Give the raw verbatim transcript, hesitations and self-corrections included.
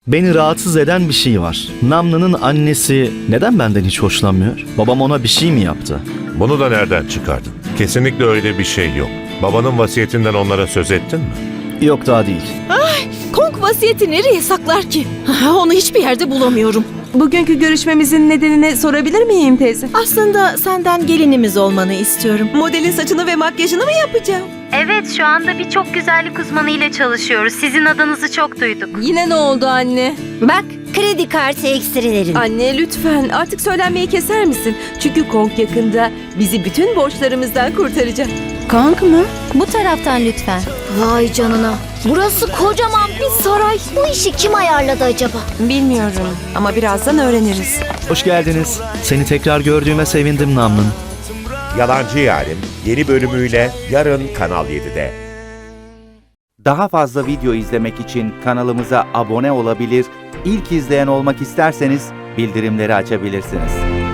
Beni rahatsız eden bir şey var. Namlı'nın annesi neden benden hiç hoşlanmıyor? Babam ona bir şey mi yaptı? Bunu da nereden çıkardın? Kesinlikle öyle bir şey yok. Babanın vasiyetinden onlara söz ettin mi? Yok, daha değil. Kong vasiyeti nereye saklar ki? Onu hiçbir yerde bulamıyorum. Bugünkü görüşmemizin nedenini sorabilir miyim teyze? Aslında senden gelinimiz olmanı istiyorum. Modelin saçını ve makyajını mı yapacağım? Evet, şu anda birçok güzellik uzmanı ile çalışıyoruz. Sizin adınızı çok duyduk. Yine ne oldu anne? Bak, kredi kartı ekstrelerin. Anne lütfen artık söylenmeyi keser misin? Çünkü Kong yakında bizi bütün borçlarımızdan kurtaracak. Kong mu? Bu taraftan lütfen. Vay canına. Burası kocaman bir saray. Bu işi kim ayarladı acaba? Bilmiyorum ama birazdan öğreniriz. Hoş geldiniz. Seni tekrar gördüğüme sevindim Namlın. Yalancı Yarim yeni bölümüyle yarın Kanal yedide. Daha fazla video izlemek için kanalımıza abone olabilir, ilk izleyen olmak isterseniz bildirimleri açabilirsiniz.